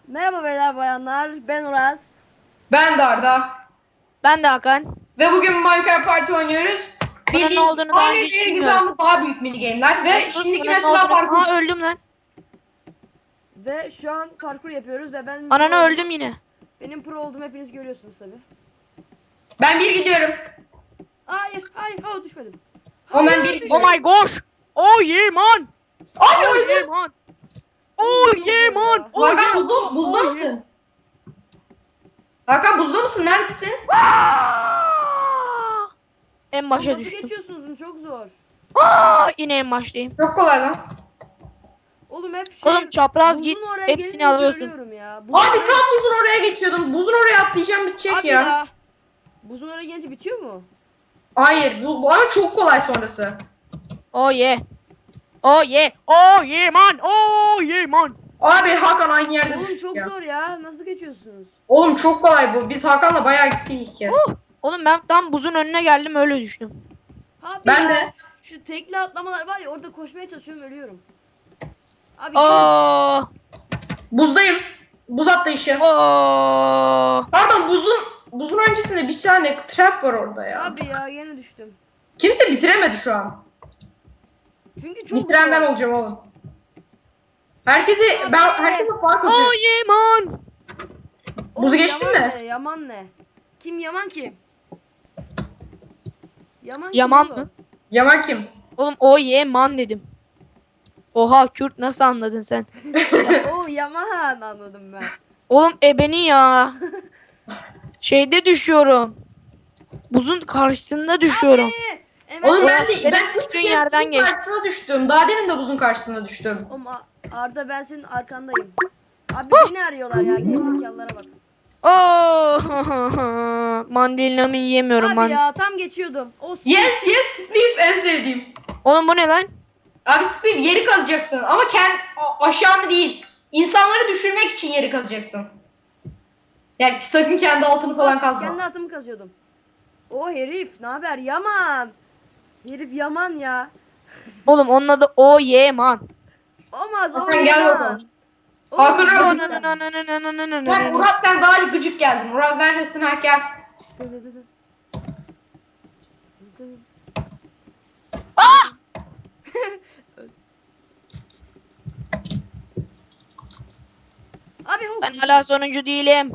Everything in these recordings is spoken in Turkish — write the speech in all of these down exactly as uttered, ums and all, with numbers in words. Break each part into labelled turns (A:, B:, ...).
A: Merhaba beyler bayanlar, ben Uraz.
B: Ben de Arda.
C: Ben de Hakan.
B: Ve bugün Minecraft Party oynuyoruz.
C: Bunun ne
B: Bildiğiniz
C: olduğunu daha
B: aynı
C: önce hiç
B: bir gibi
C: bilmiyorum.
B: ama daha büyük mini game'ler.
C: Ya
B: Ve
C: sus,
B: şimdiki
C: bunun ne
B: mesela
C: olduğunu...
B: parkur.
C: Aa, öldüm lan.
A: Ve şu an parkur yapıyoruz ve ben
C: Ananı
A: pro
C: öldüm yine.
A: benim pro olduğumu hepiniz görüyorsunuz tabi.
B: Ben bir gidiyorum.
A: Hayır, hayır, ha düşmedim.
B: O ben
A: Hayır,
B: bir
A: düşmedim.
C: Oh my gosh. Oh yeah man.
B: Abi
C: Oh yeah
B: öldüm.
C: man.
A: Oğlum,
C: Oh
A: çok
C: yeah
A: zor
C: man.
A: ya.
C: Oh
B: Hakan
C: yeah.
B: buzda,
C: Oh,
B: buzda
C: oh,
B: mısın? Hakan buzda mısın? Neredesin?
C: yeah. En
A: Oğlum,
C: başa
A: nasıl
C: düştüm.
A: geçiyorsunuz bunu? Çok zor.
C: Aa, yine en baştayım.
B: Çok kolay lan.
A: Oğlum hep şey
C: Oğlum çapraz
A: buzun
C: git.
A: oraya
C: Hepsini
A: gelince
C: alıyorsun.
A: ölüyorum ya. Buzun
B: Abi
A: oraya...
B: tam buzun oraya geçiyordum. Buzun oraya atlayacağım bitecek
A: Abi
B: ya.
A: ya. Buzun oraya gelince bitiyor mu?
B: Hayır bu, bu ama çok kolay sonrası.
C: Oh yeah. Oh yeah. Oh yeah man. Oh yeah man.
B: Abi Hakan aynı yerde
A: Oğlum
B: düştük
A: çok
B: ya.
A: zor ya. Nasıl geçiyorsunuz?
B: Oğlum çok kolay bu. Biz Hakan'la bayağı gittik ilk kez.
C: Oh. Oğlum ben tam buzun önüne geldim, öyle düştüm.
A: Abi
B: Ben
A: ya.
B: de.
A: Şu tekli atlamalar var ya, orada koşmaya çalışıyorum, ölüyorum. Abi gelin.
C: Oh.
B: Buzdayım. Buz atlayışı.
C: Oh.
B: Pardon buzun buzun öncesinde bir tane trap var orada ya.
A: Abi ya yine düştüm.
B: Kimse bitiremedi şu an.
A: Çünkü çok
B: Bitiren ben
A: zor.
B: olacağım oğlum. Herkesi
A: Abi.
B: ben herkese fark
C: Oh
B: atıyorum.
C: yeah man.
B: Buzu
A: Oğlum,
B: geçtin
A: Yaman
B: mi?
A: Ne? Yaman ne? Kim Yaman kim? Yaman
C: Yaman
A: kim
C: mı?
A: oğlum?
B: Yaman kim?
C: Oğlum o ye man dedim. Oha Kürt, nasıl anladın sen?
A: Ya, o Yaman anladım ben.
C: Oğlum ebeni ya. Şeyde düşüyorum. Buzun karşısında düşüyorum.
A: Abi. Hemen
B: Oğlum ben
C: Ulan
B: de
C: senin
B: ben üç
C: düştüğün
B: kez
C: yerden
B: buzun
C: geç.
B: karşısına düştüm. Daha demin de buzun karşısına düştüm.
A: Oğlum, A- Arda, ben senin arkandayım. Abi beni arıyorlar ya, gerizekalılara bak.
C: Oh. Mandalinamı yiyemiyorum
A: Abi
C: man.
A: ya tam geçiyordum. O
B: Yes yes Steve en sevdiğim.
C: Oğlum bu ne lan?
B: Abi Steve yeri kazacaksın ama kend aşağını değil. İnsanları düşürmek için yeri kazacaksın. Yani sakın kendi altını falan kazma.
A: Kendi atımı kazıyordum. O herif ne haber Yaman? Herif Yaman ya.
C: Oğlum onun adı o ye man.
A: Olmaz o
B: Hakan gel
A: Yaman.
B: bakalım.
A: Oğlum,
B: Hakan
A: Yaman.
B: öldü. Sen Uraz sen daha gıcık geldin. Uraz neredesin ha gel.
A: Abi huk.
C: Ben hala sonuncu değilim.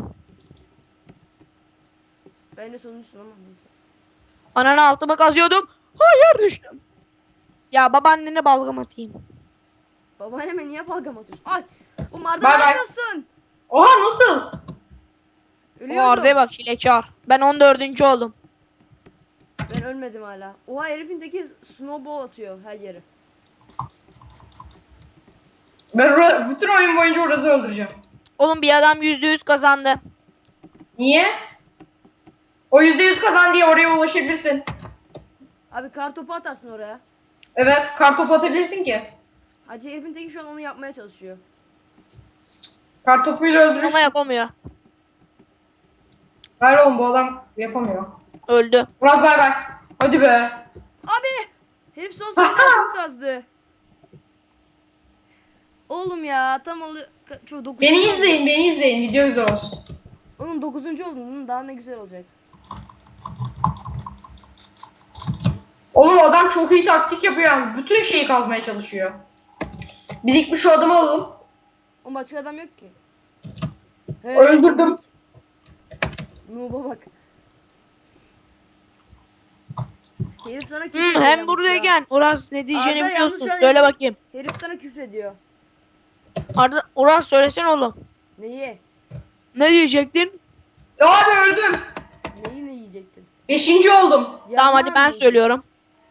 A: Ben de sonuncusun ama neyse.
C: Ananı altıma kazıyordum. Hayır, düştüm. Ya babaannene balgam atayım.
A: Babaanneme niye balgam atıyorsun? Ay. Oğlum Arda
B: Bay
A: ne
B: bay.
A: yapıyorsun?
B: Oha nasıl?
C: O
A: Ölüyordum.
C: Arda'ya bak, hilekar. Ben on dördüncü oldum.
A: Ben ölmedim hala. Oha, herifin teki snowball atıyor her yere.
B: Ben Ura- bütün oyun boyunca Uraz'ı öldüreceğim.
C: Oğlum bir adam yüzde yüz kazandı.
B: Niye? O yüzde yüz kazan diye oraya ulaşabilirsin.
A: Abi kar topu atarsın oraya.
B: Evet kartopu atabilirsin ki.
A: Hacı, herifin teki şu an onu yapmaya çalışıyor.
B: Kartopuyla öldürürsün.
C: Ama yapamıyor.
B: Hayır oğlum bu adam yapamıyor.
C: Öldü.
B: Uraz bay bay. Hadi be.
A: Abi! Herif son saniyede atımı kazdı. Oğlum ya tam alı... Şu dokuzuncu
B: Beni
A: oldum.
B: izleyin beni izleyin video güzel olsun.
A: Oğlum dokuzuncu oldun. Bunun daha ne güzel olacak.
B: Oğlum adam çok iyi taktik yapıyor yalnız. Bütün şeyi kazmaya çalışıyor. Biz ilk bir şu adamı alalım.
A: O başka adam yok ki. He,
B: Öldürdüm.
A: Nuba bak. Herif sana küfür
C: Hmm,
A: ediyor
C: hem
A: yalnız
C: buradayken Uras ne diyeceğini
A: Arda, yalnız
C: biliyorsun.
A: şu an
C: Söyle
A: herif-
C: bakayım.
A: ya. Herif sana küfür ediyor.
C: Arda, Uras söylesene oğlum.
A: Neyi?
C: Ne diyecektin?
B: Abi öldüm.
A: Neyi ne yiyecektin?
B: Beşinci oldum.
C: Tamam hadi
A: Yaman
C: ben
A: mı?
C: söylüyorum.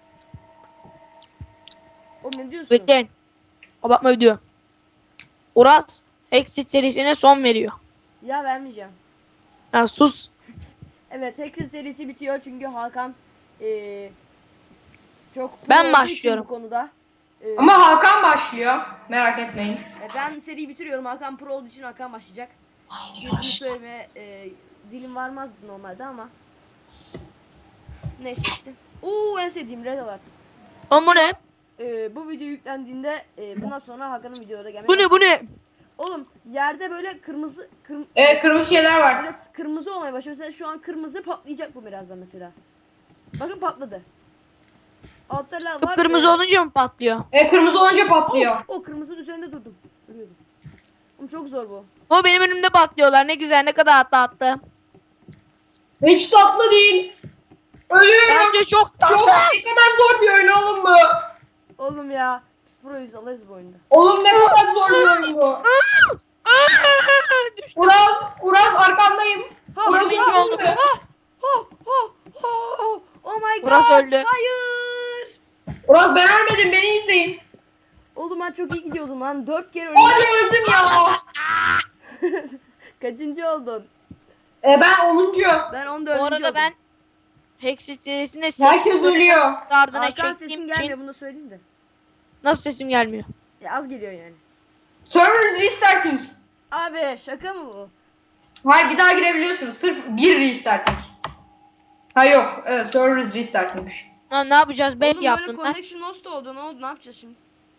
A: Oğlum ne diyorsun?
C: Bekleyin. Kapatma video. Uras Exit serisine son veriyor.
A: Ya vermeyeceğim.
C: Ya sus.
A: Evet, Hexit serisi bitiyor çünkü Hakan eee çok pro
C: Ben
A: olduğu için
C: başlıyorum.
A: bu konuda. Eee,
B: Ama Hakan başlıyor. Merak etmeyin.
A: e, ben seriyi bitiriyorum. Hakan pro olduğu için Hakan başlayacak. Bunu söyleme eee dilim varmazdı normalde ama. Neyse işte. Oo, en sevdiğim Red Alert.
C: Ama bu ne?
A: Eee bu video yüklendiğinde eee bundan sonra Hakan'ın videoda gelmeye
C: Bu ne bu ne?
A: Oğlum yerde böyle kırmızı kırm
B: Evet, kırmızı şeyler var.
A: böyle kırmızı olmaya başlıyor. Mesela şu an kırmızı, patlayacak bu birazdan mesela. Bakın patladı. Altta lav var.
C: Kıpkırmızı
A: ee,
C: olunca mı patlıyor?
B: E, kırmızı olunca
A: Oh,
B: patlıyor.
A: o kırmızının üzerinde durdum. Ölüyordum. Oğlum çok zor bu.
C: O benim önümde patlıyorlar. Ne güzel, ne kadar tatlı.
B: Hiç tatlı değil. Ölüyorum.
C: Bence çok tatlı.
B: Çok ne kadar zor bir oyun oğlum bu.
A: Oğlum ya. Biz proyuz, alırız bu oyunda.
B: Oğlum ne kadar zor bir oyun bu.
C: Düştüm.
B: Uraz, Uraz arkandayım.
A: Ha,
B: Uraz
C: yirminci
B: öldün
C: oldum.
B: mü?
A: Oh, oh, oh, oh my god.
C: Uraz öldü.
A: Hayır.
B: Uraz ben ölmedim, beni izleyin.
A: Oğlum ben çok iyi gidiyordum lan. Dört kere öldüm.
B: Abi öldüm ya.
A: Kaçıncı oldun?
B: E, ben onuncu.
A: Ben on dördüncü
C: Bu arada
A: oldum.
C: ben Hexit serisinde
B: Herkes
C: sekiz bölüm
B: ölüyor.
C: ardına
A: Arkan
C: çektiğim
A: sesin
C: için
A: gelmiyor, bunu söyleyeyim de.
C: nasıl sesim gelmiyor?
A: Ya az geliyor yani.
B: Server is restarting.
A: Abi şaka mı bu?
B: Hayır, bir daha girebiliyorsunuz. Sırf bir restarting. Ha yok. Evet, server is restartingmiş.
C: Lan ne yapacağız? Ben
A: Oğlum böyle
C: yaptım ben.
A: connection lost oldu. Ne oldu? Ne yapacağız şimdi?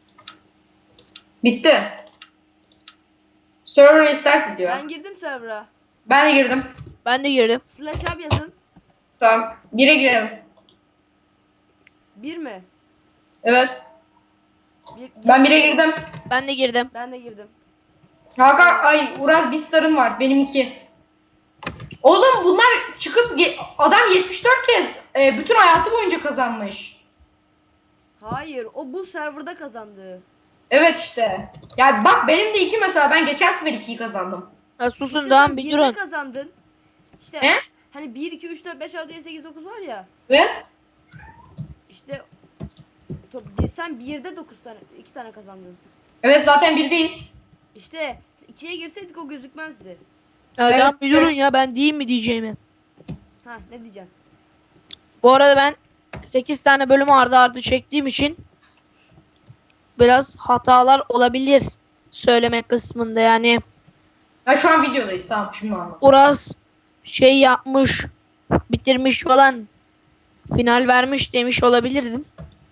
B: Bitti. Server restart diyor.
A: Ben girdim server'a.
B: Ben de girdim.
C: Ben de girdim.
A: Slash up yazın.
B: Tamam. Bire girelim.
A: Bir mi?
B: Evet.
A: Bir,
B: Ben bire girdim.
C: Ben de girdim.
A: Ben de girdim.
B: Hakan, ay Uraz bir starın var. Benim iki. Oğlum bunlar çıkıp ge- adam yetmiş dört kez e, bütün hayatı boyunca kazanmış.
A: Hayır, o bu serverda kazandı.
B: Evet işte. Ya bak benim de iki mesela. Ben geçen sefer ikiyi kazandım.
C: Ha, susun
A: İşte
C: tamam
A: sen
C: bir
A: birde
C: durun.
A: kazandın. İşte
B: Ne?
A: hani bir, iki, üç, dört, beş, altı, yedi, sekiz, dokuz var ya.
B: Evet.
A: İşte to- sen birde dokuz tane, iki tane kazandın.
B: Evet zaten birdeyiz.
A: İşte ikiye girseydik o gözükmezdi.
C: Ya
B: Evet,
C: tamam bir durun
B: evet.
C: ya, ben diyeyim mi diyeceğimi.
A: Ha, ne diyeceğim?
C: Bu arada ben sekiz tane bölüm ardı ardı çektiğim için biraz hatalar olabilir söyleme kısmında. Yani
B: Ya şu an videodayız, tamam, şimdi anladım.
C: Uraz şey yapmış, bitirmiş falan, final vermiş demiş olabilirdim.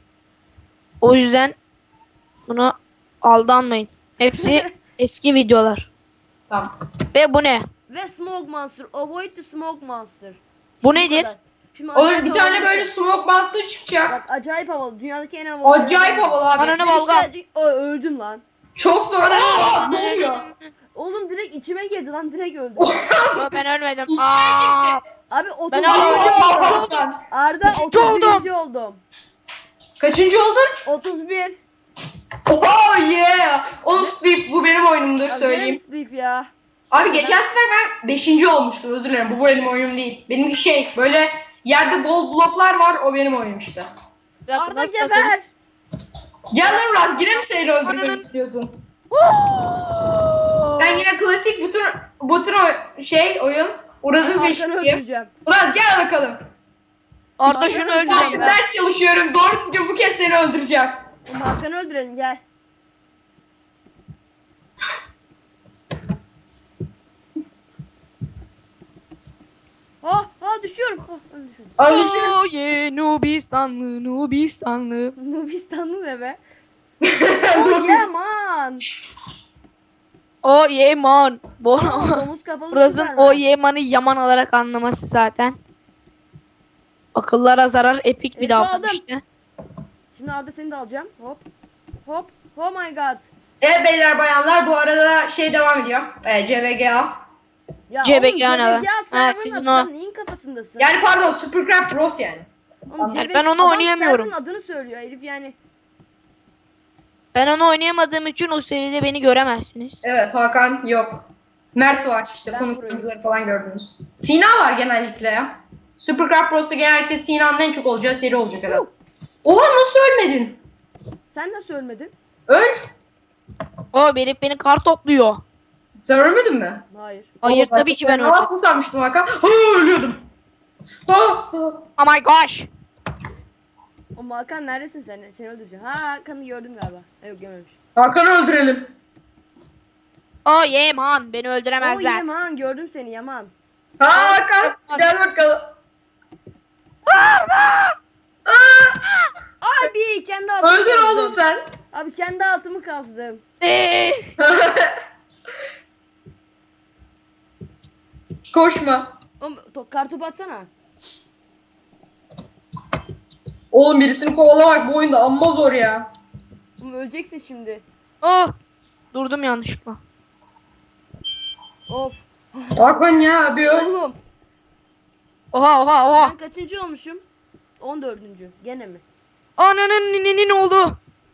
C: O yüzden buna aldanmayın. Hepsi eski videolar.
B: Tamam.
C: Ve bu ne?
A: Ve smoke monster. Avoid the smoke monster.
C: Bu
A: Bu
C: nedir?
A: kadar. Şimdi
B: Olur,
A: acayip
B: bir tane
A: havalı
B: böyle
A: şey.
B: smoke monster çıkacak.
A: Bak acayip havalı. Dünyadaki en havalı.
B: Acayip
A: şeylerden biri.
B: havalı abi.
C: Ananı
A: Ve
C: balgam.
A: işte- Ö, öldüm lan.
B: Çok zor. Aa, ne oluyor?
A: Oğlum direkt içime girdi lan, direkt öldüm.
C: Yo, ben ölmedim.
B: İçine
C: Aa!
A: Abi otuz
C: Ben
A: birinci
C: hala
A: oldum.
B: Aa,
A: Arda
C: Üçüncü
A: otuz
C: oldum.
A: birinci oldum.
B: Kaçıncı oldun?
A: otuz bir.
B: Oh yeah. On Sleep bu benim oyunumdur
A: Abi
B: söyleyeyim.
A: gene mi Steve ya?
B: Abi
A: Neyse,
B: geçen sefer ben beşinci olmuştum, özür dilerim. Bu benim oyunum değil. Benimki şey böyle yerde gold bloklar var, o benim oyunum işte.
C: Bir dakika,
A: Arda
C: nasıl
A: geber.
B: Gel lan Uraz, yine mi seni öldürmek
C: Ananın-
B: istiyorsun?
C: kazanırım?
B: Ben yine klasik bütün bütün o şey oyun Uraz'ın
A: Hakan'ı
B: peşindeyim.
A: öldüreceğim.
B: Uraz gel bakalım.
C: Arda şunu
A: Hakan'ı
C: öldüreyim
B: Saattir
C: ben.
B: ders çalışıyorum, doğru düzgün bu kez seni öldüreceğim.
A: Oğlum Hakan'ı öldürelim, gel. Ha ha düşüyorum. Ha, ben düşüyorum.
B: Öldürsün.
C: Oh yeah, Nubistanlı, Nubistanlı.
A: Nubistanlı ne be? Oh yeah man.
C: Oh yeah man. Bu
A: Aa, domuz kapalı
C: Uraz'ın
A: Superman.
C: oh yeah man'ı yaman olarak anlaması zaten. Akıllara zarar, epik bir
A: Evet,
C: davranış
A: aldım.
C: işte.
A: Şimdi Arda seni de alacağım. Hop. Hop. Oh my god.
B: Evet beyler bayanlar, bu arada şey devam ediyor. Ee, C B G A.
A: Ya
C: C B
A: oğlum
C: G ne lan?
A: C B G
C: Ha,
A: server'ın
C: sizin
A: adı,
C: o.
A: sen neyin kafasındasın?
B: Yani pardon, Supercraft Bros yani.
A: Oğlum,
C: Yani
A: C B
C: ben onu
A: adam
C: oynayamıyorum.
A: server'ın adını söylüyor herif yani.
C: Ben onu oynayamadığım için o seride beni göremezsiniz.
B: Evet, Hakan yok. Mert var işte,
A: Ben
B: konuk
A: burayım.
B: oyuncuları falan gördünüz. Sina var genellikle ya. Supercraft Bros'ta genellikle Sina'nın en çok olacağı seri olacak herhalde. Oha, nasıl ölmedin?
A: Sen nasıl ölmedin?
B: Öl.
C: O herif beni kar topluyor.
B: Sen ölmedin mi?
A: Hayır.
C: Hayır
B: Oo,
C: tabii ki ben öldüm.
B: Nasıl sanmıştım Hakan? Ha, ölüyordum. Ha, ha.
C: Oh my gosh.
A: O Hakan neredesin sen? Seni öldüreceğim. Ha Hakan'ı gördüm galiba. Ha, yok görmemiş.
B: Hakan'ı öldürelim.
C: Oh yeah man, beni
A: Oo
C: öldüremezler.
A: Yaman, gördüm seni Yaman.
B: Ha, Hakan gel bakalım.
A: Abi kendi altımı
B: Öldür
A: kazdım.
B: oğlum sen.
A: Abi kendi altımı kazdım.
C: Eee.
B: Koşma.
A: Oğlum to- kartopu atsana.
B: Oğlum birisini kovalamak bu oyunda amma zor ya.
A: Oğlum öleceksin şimdi.
C: Ah! Durdum yanlışlıkla.
A: Of.
B: Hakan ya abi öl.
A: Oğlum
C: Oha oha oha.
A: ben kaçıncı olmuşum? on dördüncü. Gene mi?
C: Ananın nininin ne oldu?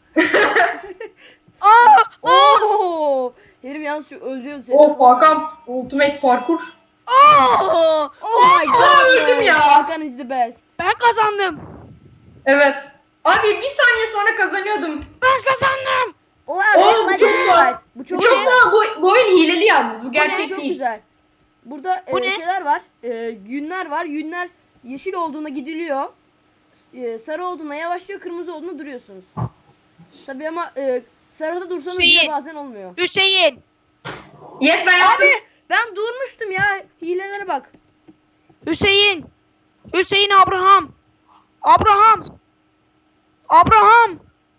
C: Aa!
A: Oo! Herif yalnız şu öldürüyor seni.
B: Of Hakan ultimate parkur.
C: Aa!
A: Oh my god.
B: öldüm
A: man.
B: ya.
A: Hakan is the best.
C: Ben kazandım.
B: Evet. Abi bir saniye sonra kazanıyordum.
C: Ben kazandım.
A: Oha,
B: Oğlum,
A: Red
B: bu çok
A: Light, Green
B: zor.
A: Light. Bu
B: Bu
A: çok
B: çok
A: güzel.
B: daha bu, bu oyun hileli yalnız. Bu
A: Bu
B: gerçek
A: çok
B: değil.
A: güzel. Burada
C: Bu
A: e,
C: ne?
A: şeyler var. E, günler var. Günler yeşil olduğuna gidiliyor. E, sarı olduğuna yavaşlıyor, kırmızı olduğuna duruyorsunuz. Tabii ama e, sarıda dursanız bile
C: Hüseyin.
A: bazen olmuyor.
C: Hüseyin.
B: Yes ben yaptım.
A: Abi ben durmuştum ya. Hilelere bak.
C: Hüseyin. Hüseyin Abraham. Abraham. Abraham.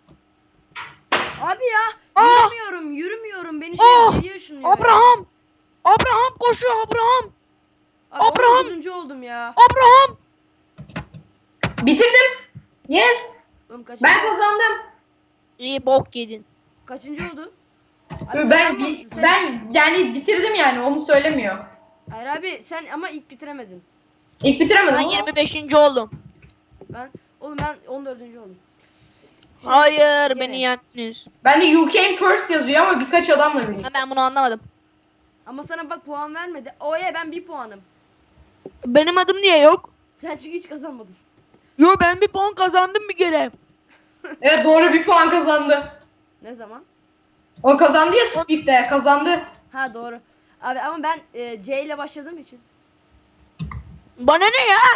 A: Abi ya
C: Ah!
A: yürümüyorum, yürümüyorum. Beni şey
C: Ah!
A: geriye ışınlıyor. ya.
C: Abraham. Abraham koşuyor Abraham.
A: Abi
C: Abraham!
A: on dokuzuncu oldum ya.
C: Abraham.
B: Bitirdim. Yes.
A: Oğlum kaçıncı,
B: Ben kazandım.
C: İyi bok yedin.
A: kaçıncı oldu? Abi
B: Ben
A: kazanmamışsın
B: bi-
A: sen.
B: ben yani bitirdim yani onu söylemiyor.
A: Hayır abi sen ama ilk bitiremedin.
B: İlk bitiremedim
C: Ben
B: ama.
C: yirmi beşinci oldum.
A: Ben oğlum ben on dördüncü oldum. Şimdi
C: Hayır
A: gene.
C: beni yendiniz.
B: Ben de you came first yazıyor ama birkaç adamla birlikte.
C: Ha, ben bunu anlamadım.
A: Ama sana bak puan vermedi. Oye ben bir puanım.
C: Benim adım niye yok?
A: Sen çünkü hiç kazanmadın.
C: Yo ben bir puan kazandım bir kere.
B: Evet doğru bir puan kazandı.
A: Ne zaman?
B: O kazandı ya Swift'te kazandı.
A: Ha doğru. Abi ama ben e, C ile başladığım için.
C: Bana ne ya?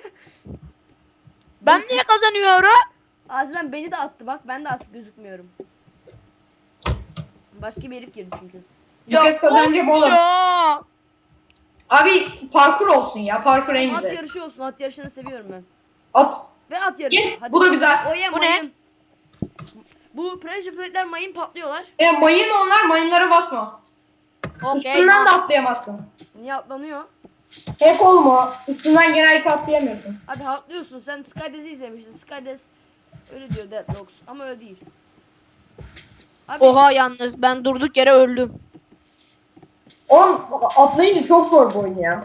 C: Ben niye kazanıyorum?
A: Aziz'den beni de attı bak ben de artık gözükmüyorum. Başka bir herif girdi çünkü.
B: Bu kez kazanacağım oğlum.
C: Ya.
B: Abi parkur olsun ya parkur en
A: At
B: güzel.
A: yarışı olsun, at yarışını seviyorum ben.
B: At.
A: Ve at yarışı.
B: Yes, bu da güzel.
A: Oye
C: Bu ne?
A: mayın. Bu pressure plate'ler mayın patlıyorlar.
B: E mayın onlar mayınlara basma.
C: Okey.
B: Üstünden de atlayamazsın.
A: Niye atlanıyor?
B: Hep oğlum o. Üstünden genellikle atlayamıyorsun.
A: Abi atlıyorsun. Sen Skydez'i izlemiştin. Skydez öyle diyor Deadlocks ama öyle değil. Abi
C: Oha yalnız ben durduk yere öldüm.
B: Oğlum atlayınca çok zor bu oyun ya.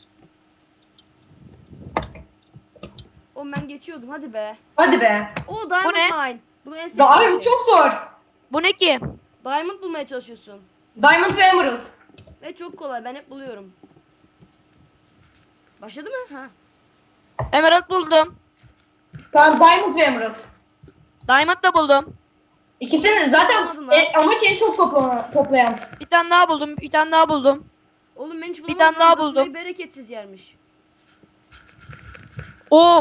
A: oğlum ben geçiyordum hadi be.
B: Hadi be.
A: O Diamond
C: ne?
A: Mine. Bunu en
B: Da
A: sevdiğim
B: abi bu
A: şey.
B: çok zor.
C: Bu ne ki?
A: Diamond bulmaya çalışıyorsun.
B: Diamond ve Emerald.
A: Ve çok kolay. Ben hep buluyorum. Başladı mı? Ha.
C: Emerald buldum.
B: Tamam Diamond ve Emerald.
C: Diamond da buldum.
B: İkisini zaten
A: Bulamadım lan.
B: e, amaç en çok toplayan. toplayan.
C: Bir tane daha buldum. Bir tane daha buldum.
A: Oğlum ben hiç
C: Bir
A: bulamadım.
C: tane daha
A: lan. Burası
C: buldum.
A: ne bereketsiz yermiş.
C: Oo.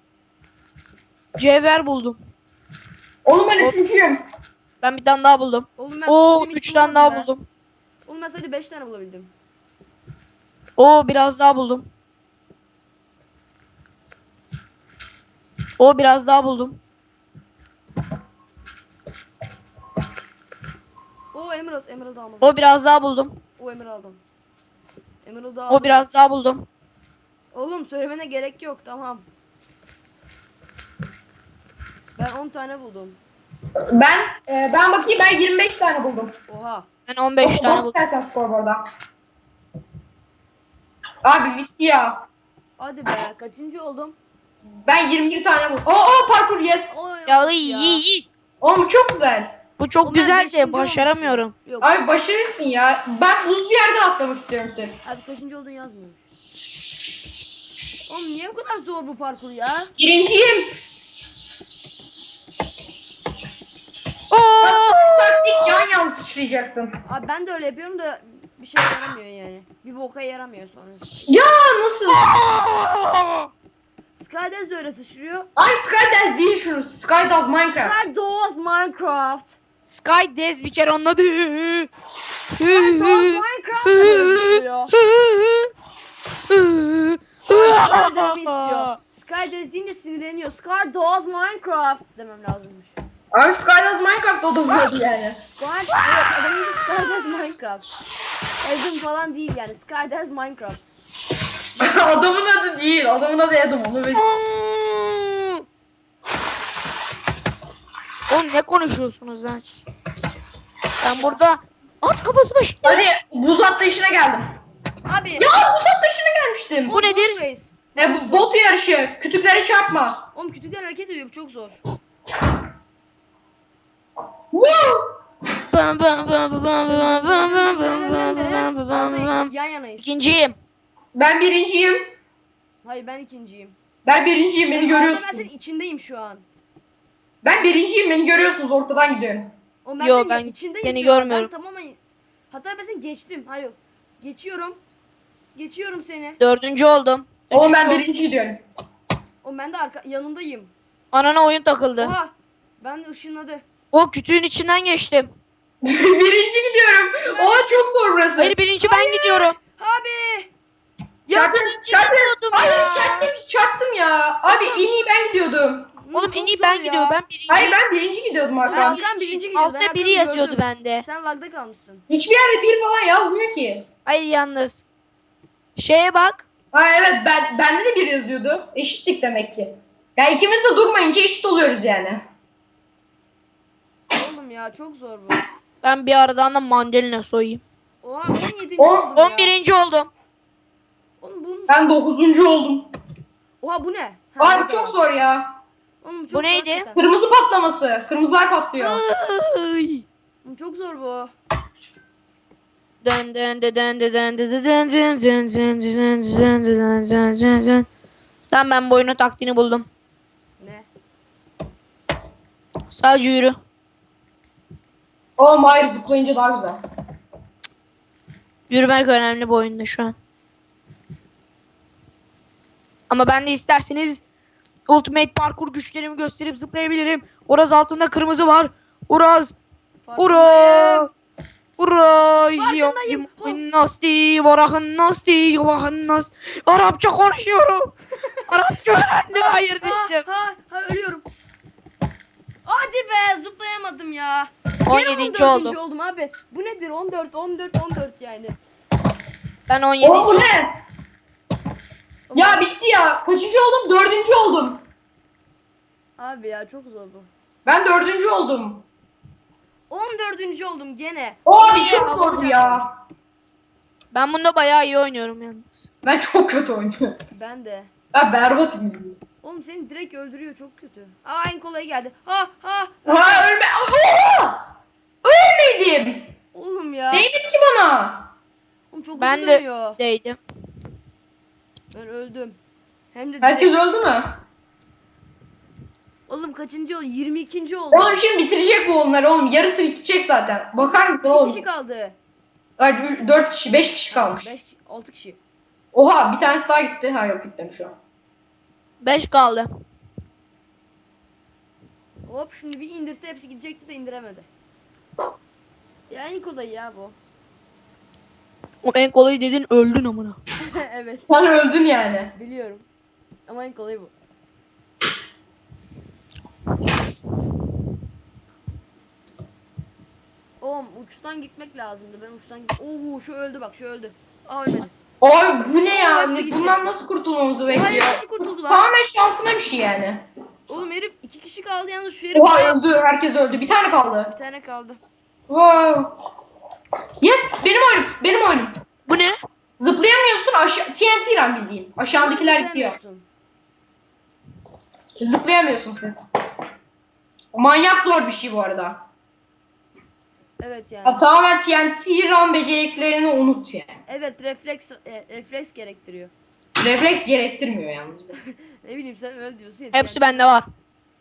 C: Cevher buldum.
B: Oğlum ben
C: O-
B: üçüncüyüm.
C: Ben bir tane daha buldum.
A: Oğlum ben
C: Oo
A: sonuncunu hiç
C: üç tane daha
A: bulamadım be.
C: buldum.
A: Oğlum ben sadece beş tane bulabildim.
C: Oo biraz daha buldum. O biraz daha buldum.
A: O Emerald. Emerald almadım.
C: O biraz daha buldum.
A: O Emerald aldım. Emerald aldım.
C: O biraz daha buldum.
A: Oğlum söylemene gerek yok tamam. Ben on tane buldum.
B: Ben e, ben bakayım ben yirmi beş tane buldum.
A: Oha.
C: Ben on beş
B: Bak
C: tane buldum.
B: istersen skorboarda. Abi bitti ya.
A: Hadi be kaçıncı oldum?
B: Ben yirmi bir tane buldum. Oo, oo parkur yes.
A: Oy,
C: Ya
A: of
C: iyi iyi iyi.
B: Oğlum çok güzel.
C: Bu çok
A: Oğlum ben
C: güzel
A: beşinci
C: de başaramıyorum.
A: olmuşum. Yok.
B: Abi başarırsın ya. Ben buzlu yerden atlamak istiyorum seni.
A: Abi kaçıncı oldun yazmıyor. Oğlum niye bu kadar zor bu parkur ya?
B: Birinciyim.
C: Oo!
B: Taktik yan yan sıçrayacaksın.
A: Abi ben de öyle yapıyorum da bir şey yaramıyor yani. Bir boka yaramıyor sonra.
B: Ya nasıl?
A: Skydance de öyle sıçrıyor.
B: Ay Skydance değil şunu. Skydoes Minecraft.
A: Skydoors Minecraft.
C: Sky Dez bir kere anladı.
A: Skydoors Minecraft da böyle sıçrıyor. Öyle dememi istiyor. Skydance deyince sinirleniyor. Skydoors Minecraft demem lazımmış.
B: Abi Skydance Minecraft adamın adı yani.
A: Squad, evet adamın adı Skydance Minecraft. Adam falan değil yani. Skydance Minecraft.
B: Adamın adı değil. Adamın adı Adam. Onu biz...
C: Oğlum ne konuşuyorsunuz lan? Ben burada at kafası başında.
B: Hadi buz atlayışına geldim.
A: Abi.
B: Ya buz atlayışına gelmiştim.
C: Bu nedir?
A: Boat race.
B: E, bu bot yarışı. Kütüklere çarpma.
A: Oğlum kütükler hareket ediyor, bu çok zor.
B: Woo!
C: Bam bam bam bam bam bam bam bam bam bam bam bam bam.
A: Yan yanayız.
C: İkinciyim.
B: Ben birinciyim.
A: Hayır ben ikinciyim.
B: Ben birinciyim. Beni
A: Ben, ben senin
B: görüyorsunuz.
A: içindeyim şu an.
B: Ben birinciyim. Beni görüyorsunuz. Ortadan gidiyorum.
A: Oğlum ben
C: Yo,
A: senin
C: ben
A: içindeyim
C: seni
A: şu an.
C: görmüyorum.
A: Ben tamamen... Hatta ben seni geçtim. Hayır. Geçiyorum. Geçiyorum seni.
C: Dördüncü oldum.
B: Oğlum ben birinci diyorum.
A: Oğlum ben de arka yanındayım.
C: Anana oyun takıldı.
A: Oha. Ben de ışınladı.
C: O kütüğün içinden geçtim.
B: Birinci gidiyorum. Oha çok zor burası.
C: Hayır birinci ben gidiyorum.
A: Abi.
C: Ya
B: Çarptım,
C: birinci
B: çarptım.
C: gidiyordum
B: Hayır
C: ya.
B: çarptım, çarptım ya. Abi en iyi ben gidiyordum.
C: Oğlum
A: Çok
C: en iyi
A: zor
C: ben
A: ya.
C: gidiyorum. Ben birinci.
B: Hayır ben birinci gidiyordum
A: Oğlum
B: Hakan.
A: Hakan birinci gidiyor. Ben
C: Altta
A: Hakan'ı
C: biri yazıyordu
A: gördüm.
C: bende.
A: Sen lagda kalmışsın.
B: Hiçbir yerde bir falan yazmıyor ki.
C: Hayır yalnız. Şeye bak.
B: Ha evet ben bende de bir yazıyordu. Eşitlik demek ki. Ya ikimiz de durmayınca eşit oluyoruz yani.
A: Oğlum ya çok zor bu.
C: Ben bir aradan da mandalina soyayım.
A: Oha on yedinci
B: On-
A: oldum ya.
C: on birinci oldum.
A: Oğlum bunun...
B: Ben dokuzuncu oldum.
A: Oha bu ne? Ha,
B: Abi
A: mega.
B: çok zor ya.
A: Oğlum çok
C: Bu
A: zor
C: neydi?
A: hakikaten.
B: Kırmızı patlaması. Kırmızılar patlıyor.
C: Ay.
A: Oğlum çok zor bu.
C: Dön dön dön dön dön dön dön dön dön dön dön dön dön dön dön dön dön. Tamam ben bu oyunun taktiğini buldum.
A: Ne?
C: Sadece yürü.
B: Oğlum hayır zıplayınca daha güzel.
C: Yürümek önemli bu oyunda şu an. Ama ben de isterseniz Ultimate parkur güçlerimi gösterip zıplayabilirim. Uraz altında kırmızı var. Uraz. Uraz. Uraz.
A: Farkındayım.
C: Nasti. Varahın nasti. Varahın nasti. Arapça konuşuyorum. Arapça öğrendim. Hayır
A: Ha,
C: düştüm.
A: ha, ha ölüyorum. Hadi be zıplayamadım ya.
C: on
A: Gene
C: yedinci
A: on dördüncü
C: oldum.
A: oldum abi. Bu nedir? on dört, on dört, on dört yani.
C: Ben on
B: Oğlum
C: yedinci
B: bu
C: oldum.
B: ne? Ya bitti ya. Kaçıncı oldum? Dördüncü oldum.
A: Abi ya çok zor bu.
B: Ben dördüncü oldum.
A: on dördüncü oldum gene.
B: Oy
A: Niye?
B: çok
A: Havalı
B: zor
A: canavar.
B: ya.
C: Ben bunda bayağı iyi oynuyorum yalnız.
B: Ben çok kötü oynuyorum.
A: Ben de.
B: Ben berbatım.
A: Oğlum seni direkt öldürüyor çok kötü. Aa en kolayı geldi. Ha ha.
B: Ha ölme. Oha! Ölmedim.
A: Oğlum ya.
B: Değmedi ki bana.
A: Oğlum çok
C: Ben
A: hızlı
C: de
A: dönüyor.
C: değdim.
A: Ben öldüm. Hem de direkt.
B: Herkes öldü mü?
A: Oğlum kaçıncı oldu? yirmi ikinci oldu.
B: Oğlum şimdi bitirecek bu onları oğlum. Yarısı bitecek zaten. Bakar mısın
A: İki
B: oğlum?
A: kişi kaldı.
B: Hayır, dört kişi, beş kişi kalmış.
A: beş, altı kişi.
B: Oha bir tanesi daha gitti. Ha yok gitmemiş şu an.
C: beş kaldı.
A: Hop şunu bir indirse hepsi gidecekti de indiremedi. Ya en kolayı ya bu.
C: O en kolayı dedin öldün amına.
A: Evet
B: Sen öldün yani.
A: biliyorum. Ama en kolayı bu. Oğlum uçtan gitmek lazımdı. Ben uçtan git. Oo şu öldü bak şu öldü. Aa ölmedi.
B: Oy bu ne ya?
A: Hepsi
B: Ne,
A: gitti.
B: bundan nasıl kurtulmamızı
A: Hayır
B: bekliyor?
A: nasıl kurtuldu lan?
B: Tamamen şansına bir şey yani.
A: Oğlum herif iki kişi kaldı yalnız şu herif.
B: Oha öldü. Herkes öldü. Bir tane kaldı.
A: Bir tane kaldı.
B: Wow. Yes benim oyunum. Benim oyunum.
C: Bu ne?
B: Zıplayamıyorsun aşağı T N T run bildiğin. Aşağıdakiler gidiyor.
A: Zıplayamıyorsun.
B: Zıplayamıyorsun sen. Manyak zor bir şey bu arada.
A: Evet yani.
B: Ya, tamamen T N T run beceriklerini unut yani.
A: Evet refleks e, refleks gerektiriyor.
B: Refleks gerektirmiyor yalnız.
A: Ne bileyim sen öyle diyorsun ya.
C: Hepsi
A: yani.
C: bende var.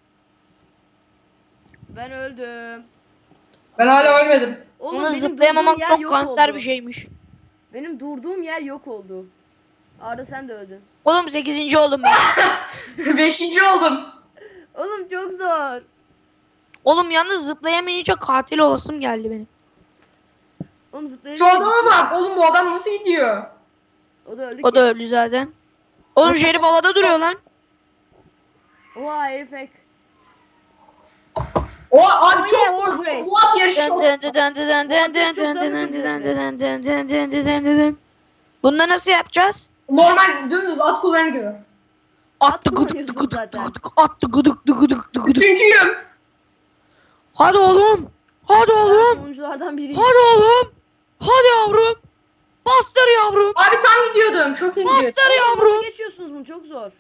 A: Ben öldüm.
B: Ben hala ölmedim.
A: Oğlum
C: Yalnız
A: benim
C: zıplayamamak
A: durduğum yer
C: çok
A: yok
C: kanser
A: oldu.
C: bir şeymiş.
A: Benim durduğum yer yok oldu. Arda sen de öldün.
C: Oğlum sekizinci oldum ben.
B: Beşinci oldum.
A: Oğlum çok zor.
C: Oğlum yalnız zıplayamayınca katil olasım geldi benim.
A: Oğlum zıplayınca
B: Şu adama
A: bitiyor.
B: bak. Oğlum bu adam nasıl gidiyor?
A: O da öldü
C: O
A: ki.
C: da öldü zaten. Oğlum Jerry havada duruyor lan.
A: Oha herif hack.
B: O abi
A: Oh
B: çok
A: yeah, horse
B: zor.
A: race.
B: Bu at yarışı
C: Dın
B: çok.
C: dın dın dın dın dın dın
A: Çok zor,
C: dın
A: çok
C: dın
A: zevkli.
C: dın dın dın dın dın dın dın dın. Bunu nasıl yapacağız?
B: Normal dümdüz at kullanır gibi.
C: Attı gıdık
A: kullanıyorsun
C: gıdık
A: zaten.
C: gıdık attı gıdık gıdık gıdık gıdık.
B: Üçüncüyüm.
C: Hadi oğlum. Hadi
A: Ben
C: oğlum.
A: sonunculardan biriyim.
C: Hadi oğlum. Hadi yavrum. Bastır yavrum.
B: Abi tam gidiyordum. Çok iyi gidiyordum.
C: Bastır yavrum.
A: Nasıl geçiyorsunuz bunu? Çok zor.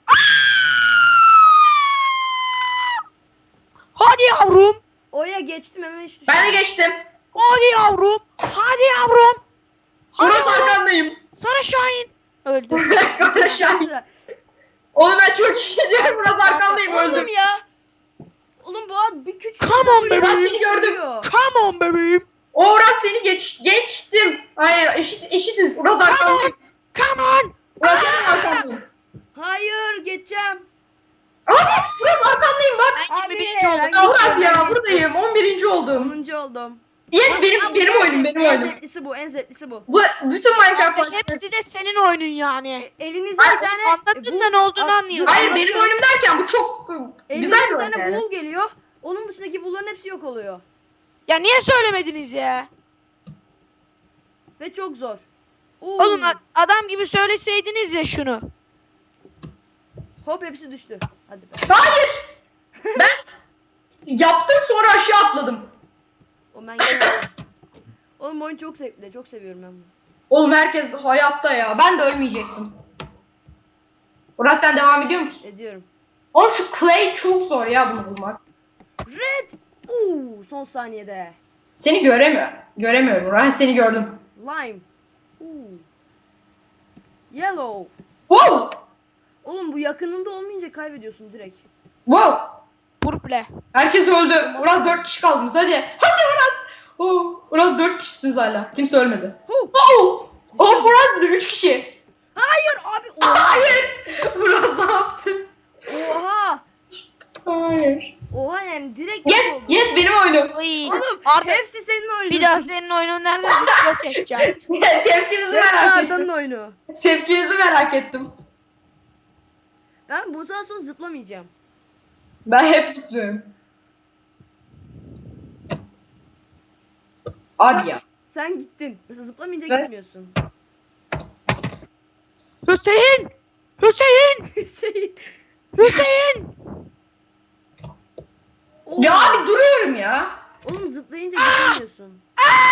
C: Hadi yavrum.
A: Oya geçtim hemen hiç düşmedim.
B: Ben de geçtim.
C: Hadi yavrum. Hadi yavrum. Hadi
B: Murat
C: oğlum.
B: arkandayım.
C: Sarı Şahin. Öldü.
B: Aşağı. Oğlum ben çok iyi gidiyorum. Murat arkandayım öldüm.
A: Oğlum ya. Oğlum bu ad bir küçük.
C: Come on
A: W
B: Ben
C: bebeğim.
B: seni gördüm.
A: geliyor.
C: Come on bebeğim.
B: O Murat seni geç, geçtim. Hayır eşit, eşitiz. Murat
C: Come on.
B: arkandayım.
C: Come on.
B: Murat senin arkandayım.
A: Hayır geçeceğim.
B: Abi Murat arkandayım bak.
C: Ben
A: Abi,
C: yirmi birinci oldum.
A: ben-
B: Allah ya
A: geçtim.
B: buradayım. on birinci oldum.
A: Onuncu oldum.
B: Yes benim
A: Abi,
B: benim
A: en
B: oyunum
A: zevk-
B: benim
A: En
B: oyunum.
A: zevklisi bu en zevklisi bu.
B: Bu bütün Minecraft
C: Abi hepsi de senin oyunun yani.
A: E, elinizde
B: Ay,
A: bir tane
C: Anlatın
A: wool-
C: da ne olduğunu
A: Aa,
C: anlıyorum.
B: Hayır
A: anlatıyorum.
B: benim oyunum derken bu çok
A: Elinizde
B: güzel
A: bir
B: bir
A: tane
B: oyun yani.
A: wool geliyor. Onun dışındaki wool'ların hepsi yok oluyor.
C: Ya niye söylemediniz ya?
A: Ve çok zor. Oo.
C: Oğlum a- adam gibi söyleseydiniz ya şunu.
A: Hop hepsi düştü. Hadi be.
B: Hayır. Ben yaptım sonra aşağı atladım.
A: O ben gene yaptım. Oğlum oyun çok zevkli. Çok seviyorum ben bunu.
B: Oğlum herkes hayatta ya. Ben de ölmeyecektim. Murat sen devam ediyor musun?
A: Ediyorum.
B: Oğlum şu clay çok zor ya bunu bulmak.
A: Red. Oo, son saniyede.
B: Seni göremiyor. Göremiyorum Murat. Seni gördüm.
A: Lime. Oo. Yellow.
B: Wow.
A: Oğlum bu yakınında olmayınca kaybediyorsun direkt.
B: Wow.
C: Purple.
B: Herkes öldü. Murat dört kişi kaldınız hadi. Hadi Murat. Oh, Murat dört kişisiniz hala. Kimse ölmedi.
A: Huh.
B: Oh. Oh Murat üç kişi.
A: Hayır abi. Oha.
B: Hayır. Murat ne yaptın?
A: Oha.
B: Hayır.
A: Oha yani direkt yok
B: Yes,
A: oldu.
B: yes benim oyunum.
C: Oy.
A: Oğlum
C: Artık
A: hepsi senin oyunun.
C: bir daha senin oyunun nerede yok edeceğim.
B: Tepkinizi
A: Hepsi
B: merak
A: Arda'nın
B: ettim.
A: oyunu.
B: Tepkinizi merak ettim.
A: Ben bundan sonra zıplamayacağım.
B: Ben hep zıplıyorum. Abi ya.
A: Sen gittin. Mesela zıplamayınca
B: Ben-
A: gitmiyorsun.
C: Hüseyin! Hüseyin!
A: Hüseyin.
C: Hüseyin!
A: Oğlum,
B: Ya abi duruyorum ya.
A: Oğlum zıplayınca gidemiyorsun.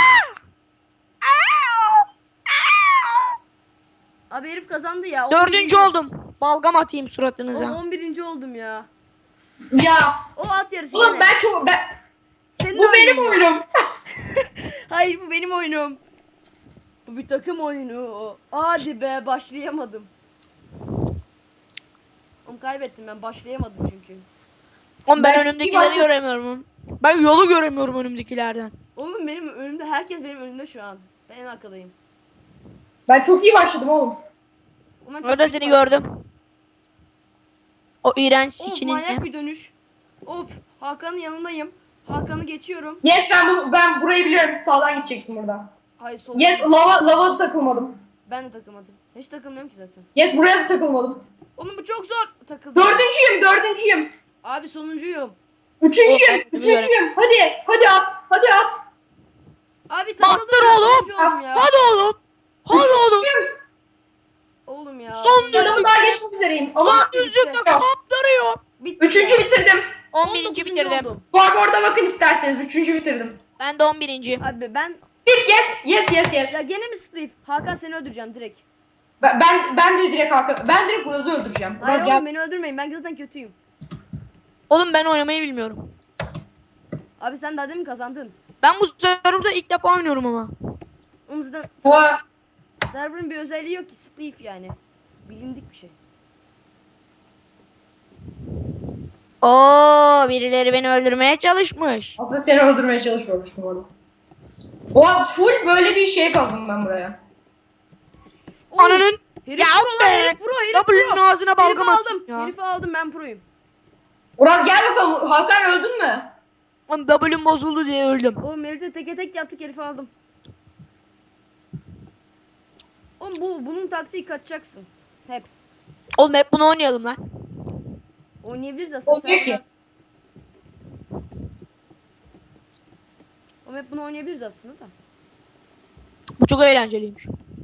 A: Abi herif kazandı ya. on
C: Dördüncü
A: birinci
C: oldum. Balgam atayım
A: Oğlum
C: suratınıza.
A: on birinci oldum ya.
B: Ya.
A: O at yarışı
B: Oğlum
A: gene.
B: ben çok ben
A: Senin
B: bu benim
A: oyunun ya.
B: oyunum.
A: Hayır bu benim oyunum. Bu bir takım oyunu. Hadi be başlayamadım. Oğlum kaybettim ben başlayamadım çünkü.
C: Oğlum ben
B: Ben-
C: önümdekileri göremiyorum. Ben yolu göremiyorum önümdekilerden.
A: Oğlum benim önümde herkes benim önümde şu an. Ben en arkadayım.
B: Ben çok iyi başladım oğlum.
A: Oğlum ben çok
C: Orada
A: iyi
C: seni
A: başladım.
C: gördüm. O iğrenç
A: Of
C: sikinin.
A: manyak bir dönüş. Of Hakan'ın yanındayım. Hakan'ı geçiyorum.
B: Yes ben bu ben burayı biliyorum. Sağdan gideceksin buradan.
A: Hayır sol.
B: Yes lava lava da takılmadım.
A: Ben de takılmadım. Hiç takılmıyorum ki zaten.
B: Yes buraya da takılmadım.
A: Oğlum bu çok zor. Takıldım.
B: Dördüncüyüm, dördüncüyüm.
A: Abi sonuncuyum.
B: Üçüncüyüm,
C: Oh,
B: üçüncüyüm. Hadi, hadi at, hadi at.
A: Abi takıldım.
C: Bastır
A: ben,
C: oğlum.
A: sonuncu oldum ya.
C: Hadi oğlum. Hadi oğlum.
B: Üçüncüyüm.
A: Oğlum ya.
C: Son
A: Sonuncu-
B: Adamı daha geçmek üzereyim. Ama
C: Son düzlükte kaptırıyor.
A: Bitti
B: üçüncü
A: ya.
B: bitirdim.
C: on birinci
A: dokuzuncu
C: bitirdim.
A: oldum.
B: Scoreboard'a bakın isterseniz. Üçüncü bitirdim.
C: Ben de on birinci.
A: Abi ben
B: Steve yes, yes, yes, yes.
A: ya gene mi Steve? Hakan seni öldüreceğim direkt.
B: Ben, ben, ben de direkt Hakan, ben direkt Uraz'ı öldüreceğim.
A: Hayır
B: Uraz
A: oğlum
B: gel.
A: beni öldürmeyin. Ben zaten kötüyüm.
C: Oğlum ben oynamayı bilmiyorum.
A: Abi sen daha demin kazandın.
C: Ben bu serverda ilk defa oynuyorum ama.
A: Oğlum zaten
B: Bu
A: server'ın bir özelliği yok ki. Steve yani. Bilindik bir şey.
C: Oo, birileri beni öldürmeye çalışmış.
B: aslında seni öldürmeye çalışmamıştım orada. Oha full böyle bir şey kazdım ben buraya.
A: Oğlum,
C: Ananın
A: herif
C: ya
A: pro lan,
C: be.
A: herif pro, herif
C: W'nin
A: pro.
C: ağzına
A: Herifi
C: balgam
A: aldım.
C: atayım ya.
A: Herifi aldım ben proyum.
B: Uraz gel bakalım. Hakan öldün mü?
C: Oğlum W'm bozuldu diye öldüm.
A: Oğlum herifte teke tek yaptık herifi aldım. Oğlum bu bunun taktiği kaçacaksın. Hep.
C: Oğlum hep bunu oynayalım lan.
A: Oynayabiliriz aslında.
B: Olmuyor
A: Sen-
B: ki.
A: Ama hep bunu oynayabiliriz aslında da.
C: Bu çok eğlenceliymiş.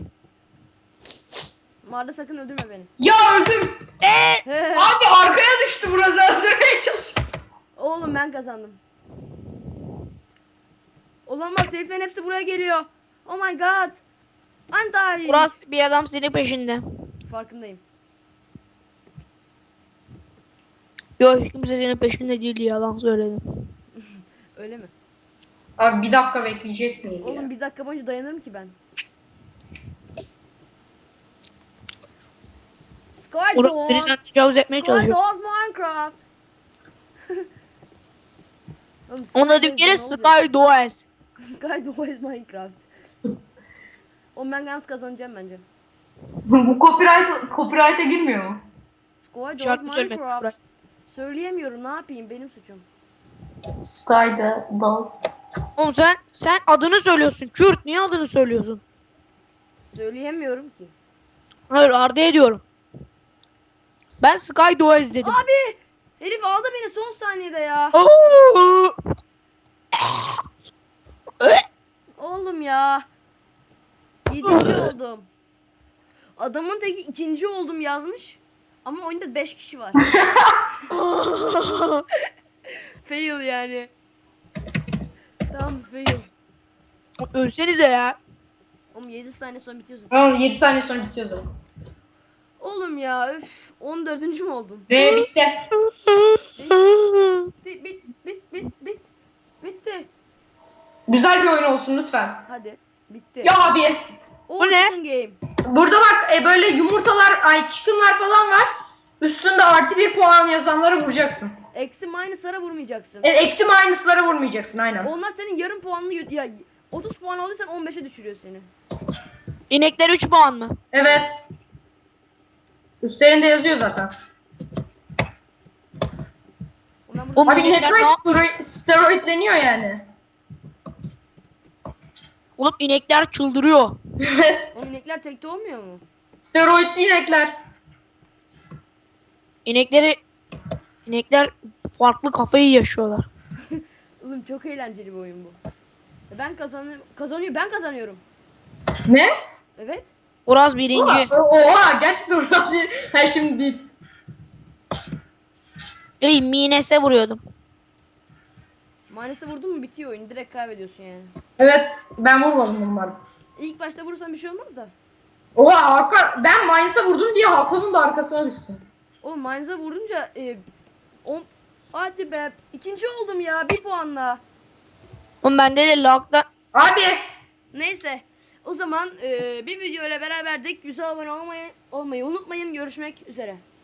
A: Marda sakın öldürme beni.
B: Ya öldüm. Abi arkaya düştü burası, öldürmeye çalıştı.
A: Oğlum ben kazandım. Olamaz, heriflerin hepsi buraya geliyor. Oh my god. I'm dying.
C: Uras, bir adam senin peşinde.
A: Farkındayım.
C: Yok, hiç kimse senin peşinde değil, yalan söyledim.
A: Öyle mi?
B: Abi bir dakika bekleyecek miyiz ya?
A: Oğlum bir dakika boyunca dayanırım ki ben. Sky
C: Uras biri sen
A: Doors.
C: tecavüz etmeye
A: Sky
C: çalışıyor.
A: Doors Minecraft. Oğlum, Sky
C: Onun adı bir
A: Doors
C: kere
A: ne olacak?
C: Sky Doors.
A: Sky Doors Minecraft. Oğlum ben yalnız kazanacağım bence.
B: Bu copyright copyright'a girmiyor mu?
A: Sky Doors
C: Şarkı söylemek.
A: Minecraft. Söyleyemiyorum, ne yapayım, benim suçum.
B: Sky'da dans.
C: Oğlum sen sen adını söylüyorsun. Kürt, niye adını söylüyorsun?
A: Söyleyemiyorum ki.
C: Hayır, Arda ediyorum. Ben Sky Doors dedim.
A: Abi! Herif aldı beni son saniyede ya.
C: Oo!
A: Oğlum ya. Yedinci oldum. Adamın teki ikinci oldum yazmış. Ama oyunda beş kişi var. Fail yani. Tamam, fail.
C: Ölsenize ya.
A: Oğlum yedi saniye sonra bitiyorsun.
B: Tamam, yedi saniye sonra bitiyor zaten.
A: Oğlum ya üf. on dördüncü mü oldum?
B: Ve bitti.
A: Bitti, bit bit bit bit. Bitti.
B: Güzel bir oyun olsun lütfen.
A: Hadi. Bitti.
B: Ya abi.
A: O
C: Bu ne?
A: chicken game.
B: Burada bak e, böyle yumurtalar, ay chicken'lar falan var. Üstünde artı bir puan yazanlara vuracaksın.
A: Eksi minus'lara vurmayacaksın.
B: E, eksi minus'lara vurmayacaksın aynen.
A: Onlar senin yarım puanını gö- ya otuz puan aldıysan on beşe düşürüyor seni.
C: İnekler üç puan mı?
B: Evet. Üstlerinde yazıyor zaten.
A: Oğlum ben burada
C: Oğlum,
B: Abi
C: inekler
B: inekler
C: ne yap-
B: steroid, steroidleniyor yani.
C: Oğlum inekler çıldırıyor.
B: Evet.
A: Oğlum inekler tekte olmuyor mu?
B: Steroidli inekler.
C: İnekleri inekler farklı kafayı yaşıyorlar.
A: Oğlum çok eğlenceli bir oyun bu. E Ben kazanıyorum. Kazanıyor. Ben kazanıyorum.
B: Ne?
A: Evet.
C: Uraz birinci.
B: Oha, oha gerçekten orası her şimdi değil.
C: Ey, Mines'e vuruyordum.
A: Minus'a vurdun mu bitiyor oyun. Direkt kaybediyorsun yani.
B: Evet ben vurmadım bunları.
A: İlk başta vurursan bir şey olmaz da.
B: Oha Hakan, ben Minus'a vurdum diye Hakan'ın da arkasına düştüm.
A: Oğlum Minus'a vurunca e, on... Hadi be. İkinci oldum ya. Bir puanla.
C: Oğlum bende de lagda.
B: Abi
A: Neyse. O zaman e, bir video ile beraberdik. Güzel abone olmayı, olmayı unutmayın. Görüşmek üzere.